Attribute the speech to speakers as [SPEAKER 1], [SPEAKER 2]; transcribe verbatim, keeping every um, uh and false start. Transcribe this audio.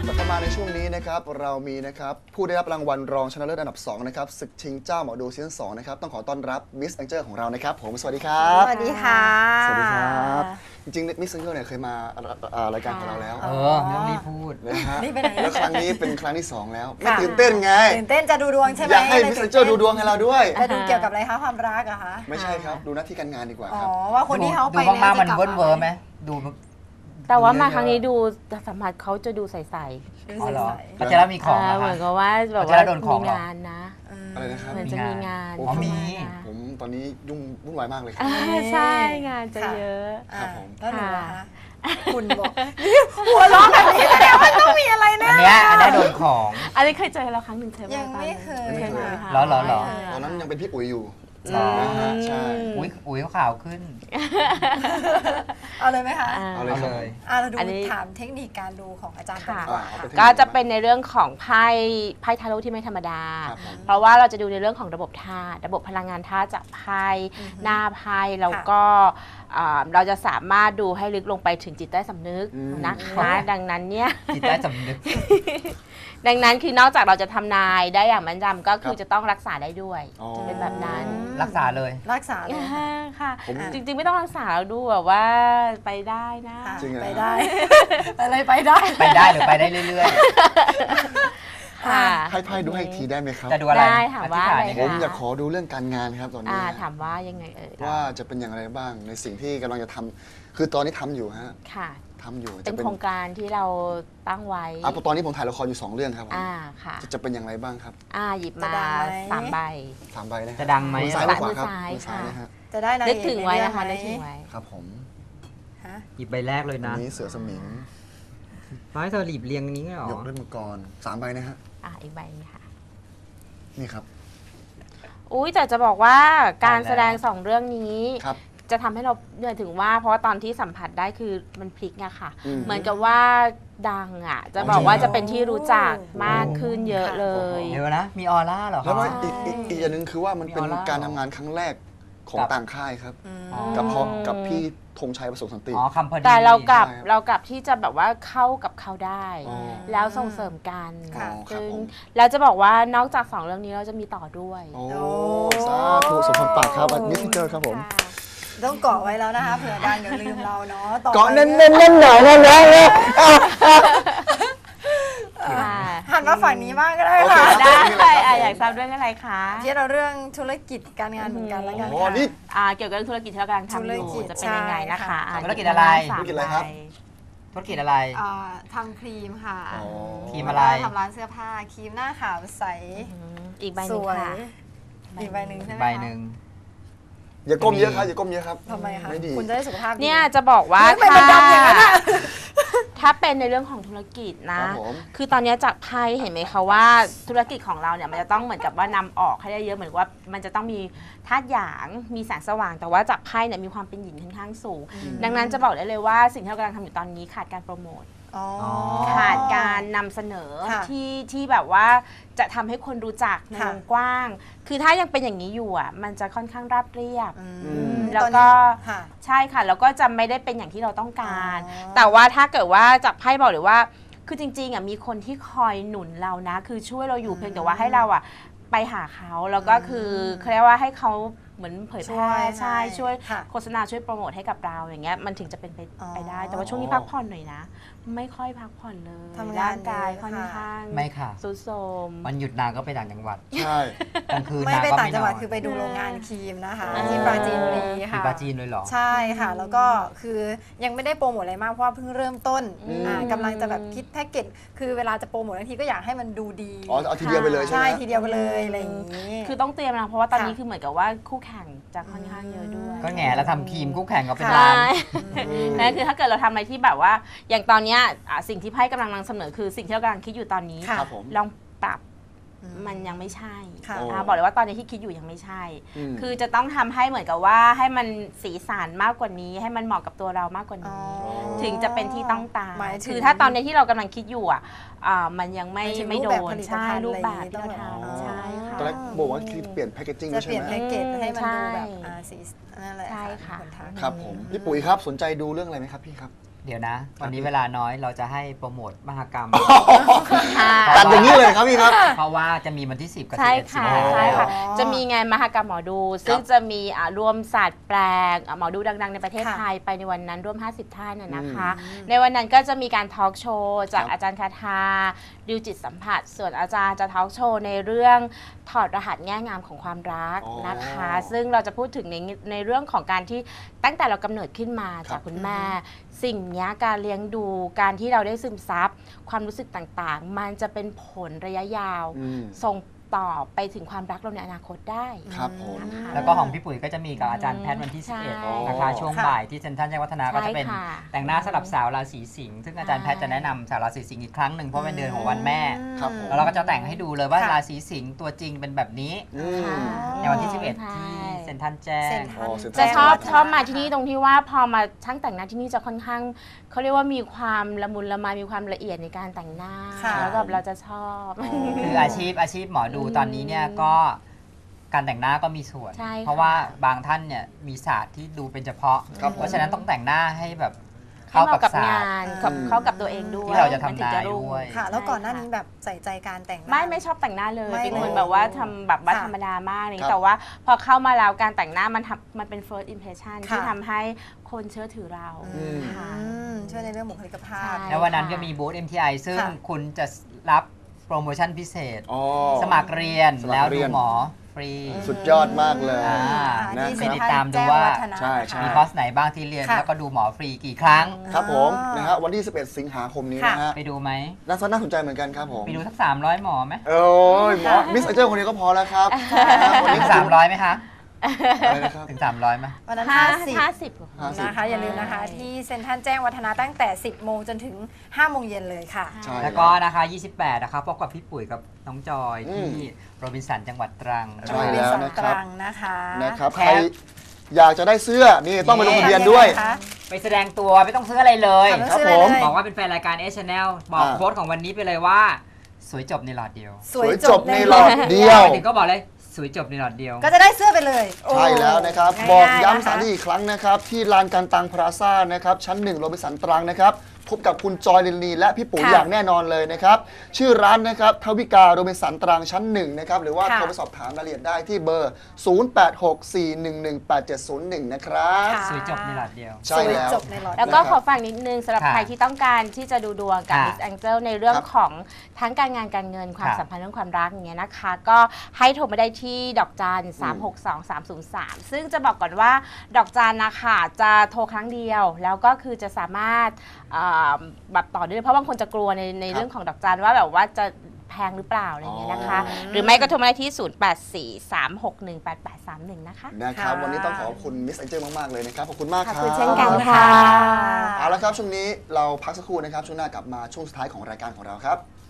[SPEAKER 1] เข้ามาในช่วงนี้นะครับเรามีนะครับผู้ได้รับรางวัลรองชนะเลิศอันดับสองนะครับศึกชิงเจ้าหมอดูซีซั่นสองนะครับต้องขอต้อนรับมิสแองเจิลของเรานะครับผมสวัสดีครับ
[SPEAKER 2] สวัสดีค่ะ
[SPEAKER 1] สวัสดีครับจริงๆมิสแองเจิลเนี่ยเคยมารายการของเราแล้ว
[SPEAKER 3] เออไม่ต้องรีบพูด
[SPEAKER 1] นะฮะ
[SPEAKER 2] นี่ไปไหน
[SPEAKER 1] แล้วครั้งนี้เป็นครั้งที่สองแล้วไม่ตื่นเต้นไง
[SPEAKER 2] ตื่นเต้นจะดูดวงใช่ไหม
[SPEAKER 1] อยากให้มิสแองเจิลดูดวงให้เราด้วย
[SPEAKER 2] จะดูเกี่ยวกับอะไรคะความรักอะคะ
[SPEAKER 1] ไม่ใช่ครับดูหน้าที่การงานดีกว่าครับ
[SPEAKER 2] อ๋อว่าคนที่เขาไป
[SPEAKER 3] ดูมากๆมันเวิร์นเวิร์ไหมดู
[SPEAKER 4] แต่ว่ามาครั้งนี้ดูสัมผัสเขาจะดูใสๆ
[SPEAKER 3] อ๋อเหรอพัชระมีของนะคะ
[SPEAKER 4] เหมือนกับว่าแบบว่ามีงานนะ
[SPEAKER 1] อะไรนะครับ
[SPEAKER 4] เหมือนจะมีงาน
[SPEAKER 3] อ๋อมี
[SPEAKER 1] ผมตอนนี้ยุ่งวุ่นวายมากเลยครับ
[SPEAKER 4] ใช่งานจะเยอะ
[SPEAKER 1] ครับผม
[SPEAKER 2] แล้วหนูนะคะคุณบอกหัวเราะแบบนี้แสดงว่าต้องมีอะไรแน่
[SPEAKER 3] อันนี้อันนี้โดนของ
[SPEAKER 4] อันนี้เคยเจอเราครั้งหนึ่งใช่ไหม
[SPEAKER 2] ยังไม่เคย
[SPEAKER 4] เคยไหมคะ
[SPEAKER 3] หรอหรอหรอ
[SPEAKER 1] ตอนนั้นยังเป็นพี่อุ๋ยอยู่
[SPEAKER 3] นะ
[SPEAKER 1] ฮะใช่
[SPEAKER 3] อุ้ยอุ้ยขาวขึ้น
[SPEAKER 2] เอาเลยไหมคะ
[SPEAKER 1] เอาเลยเลย
[SPEAKER 2] อ่ะเราดูถามเทคนิคการดูของอาจารย์ก่อน
[SPEAKER 4] ก็จะเป็นในเรื่องของไพ่ไพ่ทาโร่ที่ไม่ธรรมดาเพราะว่าเราจะดูในเรื่องของระบบธาตุระบบพลังงานธาตุจากไพ่หน้าไพ่แล้วก็เราจะสามารถดูให้ลึกลงไปถึงจิตใต้สำนึกนะคะดังนั้นเนี่ย
[SPEAKER 3] จิตใต้สำนึก
[SPEAKER 4] ดังนั้นคือนอกจากเราจะทำนายได้อย่างแม่นยำก็คือจะต้องรักษาได้ด้วยจะเป็นแบบนั้น
[SPEAKER 3] รักษาเลย
[SPEAKER 2] รักษาเลย
[SPEAKER 4] ค่ะจริงๆไม่ต้องรักษาเราดูแบบว่าไปได้นะ
[SPEAKER 2] ไปได้อะไรไปได้
[SPEAKER 3] ไปได้หรือไปได้เรื่อย
[SPEAKER 4] ๆค่ะ
[SPEAKER 1] ให้ไพ่ดูให้อีกทีได้ไหมครับ
[SPEAKER 3] จะดูอะไร
[SPEAKER 4] ได้ถามว่า
[SPEAKER 1] ผมอยากขอดูเรื่องการงานครับตอนนี้
[SPEAKER 4] ถามว่ายังไงเอ่ย
[SPEAKER 1] ว่าจะเป็นอย่างไรบ้างในสิ่งที่กำลังจะทำคือตอนนี้ทำอยู่ฮะ
[SPEAKER 4] ค่ะ
[SPEAKER 1] ทำอยู่
[SPEAKER 4] เป็นโครงการที่เราตั้งไว้
[SPEAKER 1] อ่ะตอนนี้ผมถ่ายละครอยู่สองเรื่องครับ
[SPEAKER 4] อ่าค่ะ
[SPEAKER 1] จะเป็นอย่างไรบ้างครับ
[SPEAKER 4] อ่าหยิบมาสามใบ
[SPEAKER 1] สามใบนะ
[SPEAKER 3] จะดังไหม
[SPEAKER 1] ซ้ายขวาครับซ้าย
[SPEAKER 4] ค่ะ
[SPEAKER 2] จะได้
[SPEAKER 4] นึกถึงไว้นะคะนึกถึงไว้
[SPEAKER 1] ครับผม
[SPEAKER 3] หยิบใบแรกเลยนะ
[SPEAKER 1] นี้เสือสมิง
[SPEAKER 3] ร้อยเธอหลีบเรียงนี้เหรอย
[SPEAKER 1] กด้วยมังกรสามใบนะฮะ
[SPEAKER 4] อ่าอีกใบนี้ค่ะ
[SPEAKER 1] นี่ครับ
[SPEAKER 4] อุ้ยแต่จะบอกว่าการแสดงสองเรื่องนี้
[SPEAKER 1] ครับ
[SPEAKER 4] จะทำให้เราเหนื่อยถึงว่าเพราะว่าตอนที่สัมผัสได้คือมันพลิกไงค่ะเหมือนกับว่าดังอ่ะจะบอกว่าจะเป็นที่รู้จักมากขึ้นเยอะเลย
[SPEAKER 3] เยอะนะมีออร่าเหรอ
[SPEAKER 1] แล้วอีกอีกอย่างหนึ่งคือว่ามันเป็นการทำงานครั้งแรกของต่างค่ายครับกับพอกับพี่ธงชัยประสงค์สันติ
[SPEAKER 4] แต่เรากลับเรากลับที่จะแบบว่าเข้ากับเขาได้แล้วส่งเสริมกันซึ่งแล้วจะบอกว่านอกจากสองเรื่องนี้เราจะมีต่อด้วย
[SPEAKER 1] โอ้สาธุสมพรปากครับมิสซิเจอร์ครับผม
[SPEAKER 2] ต้องเกาะไว้แล้วนะคะเผื่อดังอย่าลืมเราเนาะ
[SPEAKER 1] เกาะเน้นเน้นเน้นหน่อยนะนะ
[SPEAKER 2] หันมาฝั่งนี้บ้างก็ได้ค่ะ
[SPEAKER 4] ได้อยากทราบเรื่องอะไรคะ
[SPEAKER 2] ที่เราเรื่องธุรกิจการงานเหมือนกันแล้วกัน
[SPEAKER 1] ค่ะนี่
[SPEAKER 4] เกี่ยวกับธุรกิจที่เรากำลังทำอยู่จะเป็นยังไงนะคะ
[SPEAKER 3] ธุรกิจอะไร
[SPEAKER 1] ธุรกิจอะไรครับ
[SPEAKER 3] ธุรกิจอะไร
[SPEAKER 2] ทำครีมค่ะ
[SPEAKER 3] ครีมอะไร
[SPEAKER 2] ทำร้านเสื้อผ้าครีมหน้าขาวใส
[SPEAKER 4] อีกใบหนึ่งค่ะ
[SPEAKER 2] อีกใบหนึ่งใช่ไหม
[SPEAKER 3] ใบหนึ่ง
[SPEAKER 1] อย่าก้มเยอะครับอย่าก้มเยอะครับ
[SPEAKER 2] ทำไมคะคุณจะได้สุขภาพดี
[SPEAKER 4] เนี่ยจะบอกว่าถ้าถ้าเป็นในเรื่องของธุรกิจนะคือตอนนี้จากไพ่เห็นไหมคะว่าธุรกิจของเราเนี่ยมันจะต้องเหมือนกับว่านำออกให้ได้เยอะเหมือนว่ามันจะต้องมีธาตุหยางมีแสงสว่างแต่ว่าจากไพ่เนี่ยมีความเป็นหยินค่อนข้างสูงดังนั้นจะบอกได้เลยว่าสิ่งที่เรากำลังทำอยู่ตอนนี้ขาดการโปรโมทขาดการนำเสนอที่ที่แบบว่าจะทำให้คนรู้จักในวงกว้างคือถ้ายังเป็นอย่างนี้อยู่อ่ะมันจะค่อนข้างราบเรียบแล้วก็ใช่ค่ะแล้วก็จะไม่ได้เป็นอย่างที่เราต้องการแต่ว่าถ้าเกิดว่าจากไพ่บอกเลยว่าคือจริงๆอ่ะมีคนที่คอยหนุนเรานะคือช่วยเราอยู่เพียงแต่ว่าให้เราอ่ะไปหาเขาแล้วก็คือเขาเรียกว่าให้เขาเหมือนเผยแพร่ใช่ช่วยโฆษณาช่วยโปรโมทให้กับเราอย่างเงี้ยมันถึงจะเป็นไปได้แต่ว่าช่วงนี้พักผ่อนหน่อยนะไม่ค่อยพักผ่อนเลยร่างกายค่อนข้าง
[SPEAKER 3] ไม่ค่ะ
[SPEAKER 4] สุดโทรม
[SPEAKER 3] วันหยุดนางก็ไปต่างจังหวัด
[SPEAKER 1] ใช่
[SPEAKER 3] กลางคืน
[SPEAKER 2] ไม่ไปต่างจังหวัดคือไปดูโรงงานครีมนะคะที่ปราจีนบุรีค่ะ
[SPEAKER 3] ปราจีนเลยเหรอ
[SPEAKER 2] ใช่ค่ะแล้วก็คือยังไม่ได้โปรโมทอะไรมากเพราะว่าเพิ่งเริ่มต้นกำลังจะแบบคิดแพ็กเกจคือเวลาจะโปรโมทบางทีก็อยากให้มันดูดี
[SPEAKER 1] อ๋อเอาทีเดียวไปเลยใช่ไหม
[SPEAKER 2] ใช่ทีเดียวไปเลยอะไรอย่างนี้
[SPEAKER 4] คือต้องเตรียมนะเพราะว่าตอนนี้คือเหมือนกับว่าคู่แข่งจะค่อนข้างเยอะด้วย
[SPEAKER 3] ก็แง่แล้วทำครีมคู่แข่งก็เป็นร้าน
[SPEAKER 4] นั่นคือถ้าเกิดเราทำอะไรที่แบบว่าอย่างตอนนี้สิ่งที่ไพ่กำลังนำเสนอคือสิ่งที่เรากำลังคิดอยู่ตอนนี้ลองปรับมันยังไม่ใช่บอกเลยว่าตอนนี้ที่คิดอยู่ยังไม่ใช่คือจะต้องทำให้เหมือนกับว่าให้มันสีสันมากกว่านี้ให้มันเหมาะกับตัวเรามากกว่านี้ถึงจะเป็นที่ต้องตามคือถ้าตอนนี้ที่เรากำลังคิดอยู่อ่ะมันยังไม่ไม่โดนใช่รูปแบบที่เราทำใช่ค่ะ
[SPEAKER 1] ตอนแรกบอกว่าคิดเปลี่ยนแพคเกจจิ้ง
[SPEAKER 2] จะเปลี่ยนแพคเกจให้มันดูแบบสีนั่นแหละ
[SPEAKER 4] ใช่ค่ะ
[SPEAKER 1] ครับผมพี่ปุ๋ยครับสนใจดูเรื่องอะไรไหมครับพี่ครับ
[SPEAKER 3] เดี๋ยวนะ วันนี้เวลาน้อยเราจะให้โปรโมทมหกรรม
[SPEAKER 4] ค่ะ
[SPEAKER 1] ตัดอย่างนี้เลยครับพี่ครับ
[SPEAKER 3] เพราะว่าจะมีวันที่ สิบ กับ
[SPEAKER 4] ใช่
[SPEAKER 3] สิบเอ็ดสิง
[SPEAKER 4] ค่ะ
[SPEAKER 3] หา
[SPEAKER 4] ใช่ค่ะ
[SPEAKER 2] อ๋อ
[SPEAKER 4] จะมีงานมหกรรมหมอดู ซึ่งจะมีอ่ารวมศาสตร์แปลงอ่ะหมอดูดัง ๆ ในประเทศ
[SPEAKER 2] ค่ะ
[SPEAKER 4] ไทยไปในวันนั้นร่วม ห้าสิบ ท่านนะนะคะ
[SPEAKER 2] อืม
[SPEAKER 4] ในวันนั้นก็จะมีการทอล์กโชว์จาก
[SPEAKER 1] ครับ
[SPEAKER 4] อาจารย์คาทาดิวจิตสัมผัส ส่วนอาจารย์จะทอล์กโชว์ในเรื่องถอดรหัสแง่งามของความรัก
[SPEAKER 1] อ๋อ
[SPEAKER 4] นะคะ ซึ่งเราจะพูดถึงในในเรื่องของการที่ตั้งแต่เรากำเนิดขึ้นมา
[SPEAKER 1] ครับ
[SPEAKER 4] จากคุณแม่ สิ่งเนี้ยการเลี้ยงดูการที่เราได้ซึมซับความรู้สึกต่างๆ มันจะเป็นผลระยะยาว
[SPEAKER 1] อืม
[SPEAKER 4] ส่งต่อไปถึงความรักเราในอนาคตได้
[SPEAKER 1] ครับผม
[SPEAKER 4] นะคะ
[SPEAKER 3] แล้วก็ของพี่ปุ๋ยก็จะมีกับอาจารย์แพทย์วันที่
[SPEAKER 4] ใช่
[SPEAKER 3] สิบเอ็ด นะคะ ช่วง
[SPEAKER 2] ค่ะ
[SPEAKER 3] บ่ายที่เซ็นทรัลแจ้งวัฒนาก็จะเป็น
[SPEAKER 4] ใช่ค่ะ
[SPEAKER 3] แต่งหน้าสำหรับสาวราศีสิงห์ซึ่งอาจารย์แพทย์จะแนะนำสาวราศีสิงห์อีกครั้งหนึ่งเพราะเป็นเดือนของวันแม่
[SPEAKER 1] ครับผม
[SPEAKER 3] แล้วเราก็จะแต่งให้ดูเลยว่า
[SPEAKER 2] ค่ะ
[SPEAKER 3] ราศีสิงห์ตัวจริงเป็นแบบนี้
[SPEAKER 1] อืม
[SPEAKER 3] ในวันที่ สิบเอ็ด
[SPEAKER 4] ใช่
[SPEAKER 3] ที่เซ็นทรัลแจ้ง
[SPEAKER 2] เซ็นทรัล
[SPEAKER 1] อ๋อเซ็นทรัล
[SPEAKER 4] จะชอบ
[SPEAKER 2] แจ้งวัฒนะ
[SPEAKER 4] ชอบมาที่นี่ตรงที่ว่าพอมาช่างแต่งหน้าที่นี่จะค่อนข้างเขาเรียกว่ามีความละมุนละไมมีความละเอียดในการแต่งหน้า
[SPEAKER 2] ค่ะ
[SPEAKER 4] แล้วแบบเราจะชอบ
[SPEAKER 3] คืออาชีพอาชีพหมอดูตอนนี้เนี่ยก็การแต่งหน้าก็มีส่วน
[SPEAKER 4] ใช่ค่ะ
[SPEAKER 3] เพราะว่าบางท่านเนี่ยมีศาสตร์ที่ดูเป็นเฉพาะ
[SPEAKER 1] ครับผม
[SPEAKER 3] เพราะฉะนั้นต้องแต่งหน้าให้แบบ
[SPEAKER 4] ให้
[SPEAKER 3] เข้า
[SPEAKER 4] เห
[SPEAKER 3] กับ
[SPEAKER 4] มาะกับ
[SPEAKER 3] ศาส
[SPEAKER 4] งา
[SPEAKER 3] ตร์
[SPEAKER 4] นกับ
[SPEAKER 1] อืม
[SPEAKER 4] เข้ากับตัวเองด้วย
[SPEAKER 3] ที่เราจะทำ
[SPEAKER 4] มันถึง
[SPEAKER 3] นาย
[SPEAKER 4] รุ่ง
[SPEAKER 3] ด้วย
[SPEAKER 2] ค่ะ แล้วก่อนหน้า
[SPEAKER 4] ใช่
[SPEAKER 2] นี้
[SPEAKER 4] ค่ะ
[SPEAKER 2] แบบใส่ใจการแต่งหน้า
[SPEAKER 4] ไม่ไม่ชอบแต่งหน้าเลย
[SPEAKER 2] ไม่
[SPEAKER 4] เป็นคน
[SPEAKER 2] เลย
[SPEAKER 4] แบบว่าทำแบบว่า
[SPEAKER 2] ค่ะ
[SPEAKER 4] ธรรมดามากเลย
[SPEAKER 1] ครับ
[SPEAKER 4] แต่ว่าพอเข้ามาแล้วการแต่งหน้ามันทำมันเป็น first impression
[SPEAKER 2] ค่ะ
[SPEAKER 4] ที่ทำให้คนเชื่อถือเรา
[SPEAKER 1] อืม
[SPEAKER 4] ค่ะ
[SPEAKER 2] อืมช่วยในเรื่องบุคลิกภาพ
[SPEAKER 4] ใช่
[SPEAKER 3] แล้ววันนั้นก็มีบูธ เอ็ม ที ไอ ซึ่ง
[SPEAKER 2] ค่ะ
[SPEAKER 3] คุณจะรับโปรโมชั่นพิเศษ
[SPEAKER 1] อ๋อ
[SPEAKER 3] สมัครเรียน
[SPEAKER 1] สมัคร
[SPEAKER 3] แล้ว
[SPEAKER 1] เรี
[SPEAKER 3] ดู
[SPEAKER 1] ยน
[SPEAKER 3] หมอฟรี
[SPEAKER 1] สุดยอดมากเลย
[SPEAKER 3] อ่า
[SPEAKER 1] นะ
[SPEAKER 2] ที่
[SPEAKER 1] ค
[SPEAKER 2] เซ็
[SPEAKER 1] รั
[SPEAKER 2] น
[SPEAKER 1] บ
[SPEAKER 3] ติดตามดูว่า
[SPEAKER 2] แจ้งวัฒนะ
[SPEAKER 1] ใช่ใช่
[SPEAKER 2] นะคะ
[SPEAKER 3] มีคอร์สไหนบ้างที่เรียน
[SPEAKER 2] ค่ะ
[SPEAKER 3] แล้วก็ดูหมอฟรีกี่ครั้ง
[SPEAKER 1] ครับผม
[SPEAKER 2] อ๋อ
[SPEAKER 1] นะฮะวันที่ สิบเอ็ด สิงหาคมนี้นะฮะ
[SPEAKER 3] ไปดูไหม
[SPEAKER 1] น่าสนน่าสนใจเหมือนกันครับผม
[SPEAKER 3] ไปดูสักสามร้อยหมอไหม
[SPEAKER 1] โอ้ยหมอมิสเอเจอร์คนนี้ก็พอแล้วครับนะฮะวัน
[SPEAKER 3] ถึ
[SPEAKER 1] นี้
[SPEAKER 3] งสามร้อยไหมคะ
[SPEAKER 1] อะไรนะครับ
[SPEAKER 3] ถึงสามร้อยไหม
[SPEAKER 2] วันนั้น
[SPEAKER 4] ห้า
[SPEAKER 2] ห้าสิบ
[SPEAKER 4] ห้าสิบกว่า
[SPEAKER 1] ห้าสิบ
[SPEAKER 2] นะคะ อย่าลืมนะคะ ที่เซ็นทรัลแจ้งวัฒนะตั้งแต่ สิบโมงจนถึง ห้าโมงเย็นเลยค่ะ
[SPEAKER 1] ใช่
[SPEAKER 3] แล้วก็นะคะ ยี่สิบแปด นะคะพบกับพี่ปุ๋ยกับน้องจอย
[SPEAKER 1] อื
[SPEAKER 3] ที่
[SPEAKER 1] ม
[SPEAKER 3] โรบินสันจังหวัดตรัง
[SPEAKER 1] ใช่แล้วนะค
[SPEAKER 2] ต
[SPEAKER 1] รับ
[SPEAKER 2] รังนะคะ
[SPEAKER 1] นะครับ
[SPEAKER 3] แค
[SPEAKER 1] ใคร
[SPEAKER 3] ป
[SPEAKER 1] อยากจะได้เสื้อนี่ต้องไปลงทะเบียนด้วย
[SPEAKER 2] ทำงไงคะ
[SPEAKER 3] ไปแสดงตัวไม่ต้องซื้ออะไรเลย
[SPEAKER 2] ค่ะ
[SPEAKER 1] ครับ
[SPEAKER 2] ซื้อ
[SPEAKER 1] ผ
[SPEAKER 2] อะไร
[SPEAKER 1] ม
[SPEAKER 2] เลย
[SPEAKER 3] บอกว่าเป็นแฟนรายการ เอ Channel บอก
[SPEAKER 1] อ่า
[SPEAKER 3] โค้ดของวันนี้ไปเลยว่า สวยจบในหลอดเดียว
[SPEAKER 1] สวยจบในหลอดเดียว
[SPEAKER 3] ถึงก็บอกเลยสวยจบในหลอดเดียว
[SPEAKER 2] ก็จะได้เสื้อไปเลยโอ้
[SPEAKER 1] ใช่แล้วนะครับ
[SPEAKER 2] ง่ายๆ
[SPEAKER 1] บอกย้ำ
[SPEAKER 2] นะคะ
[SPEAKER 1] สถานที่อีกครั้งนะครับ ที่ลานการตังพลาซ่านะครับ ชั้นหนึ่งโรบินสันตรังนะครับ พบกับคุณจอยลินลีและพี่ปุ๋ย
[SPEAKER 2] ค่ะ
[SPEAKER 1] อย่างแน่นอนเลยนะครับ ชื่อร้านนะครับทวิกาโรบินสันตรังชั้นหนึ่งนะครับ หรือว่า
[SPEAKER 2] ค่ะ
[SPEAKER 1] โทรไปสอบถามรายละเอียดได้ที่เบอร์ ศูนย์ แปด หก สี่ หนึ่ง หนึ่ง แปด เจ็ด ศูนย์ หนึ่ง นะครับ
[SPEAKER 2] ค่ะ
[SPEAKER 3] สวยจบในหลอดเดียว
[SPEAKER 1] ใช่แล้ว
[SPEAKER 2] สวยจบในหลอด
[SPEAKER 4] แล้วก็
[SPEAKER 1] นะครับ
[SPEAKER 4] ขอฝากนิดนึงสำหรับ
[SPEAKER 3] ค่ะ
[SPEAKER 4] ใครที่ต้องการที่จะดูดวงกับ
[SPEAKER 3] ค่ะ
[SPEAKER 4] Miss Angel ในเรื่อง
[SPEAKER 1] ครับ
[SPEAKER 4] ของทั้งการงานการเงินความ
[SPEAKER 3] ค่ะ
[SPEAKER 4] สัมพันธ์เรื่องความรักอย่างเงี้ยนะคะ ก็ให้โทรมาได้ที่ดอกจันสามหกสองสามศูนย์สามซึ่งจะบอกก่อนว่าดอกจันนะคะจะโทรครั้งเดียว แล้วก็คือจะสามารถเอ่อแบบต่อได้เลยเพราะบางคนจะกลัวในในเรื่องของดอกจันว่าแบบว่าจะแพงหรือเปล่าอะไรอย่างเงี้ยนะคะ
[SPEAKER 1] อ๋อ
[SPEAKER 4] หรือไม่ก็โทรมาได้ที่ ศูนย์ แปด สี่ สาม หก หนึ่ง แปด แปด สาม หนึ่ง นะคะ
[SPEAKER 1] นะครับ
[SPEAKER 2] ค่ะ
[SPEAKER 1] วันนี้ต้องขอบคุณมิสเอเจอร์มาก ๆ เลยนะครับ ขอบคุณมาก
[SPEAKER 4] ข
[SPEAKER 1] ค
[SPEAKER 4] อบ
[SPEAKER 1] รับ
[SPEAKER 4] คุณเช่นกัน
[SPEAKER 2] ขอบคุณ
[SPEAKER 4] ค่ะ
[SPEAKER 2] ค่ะ
[SPEAKER 1] เอาละครับ ช่วงนี้เราพักสักครู่นะครับ ช่วงหน้ากลับมาช่วงสุดท้ายของรายการของเราครับ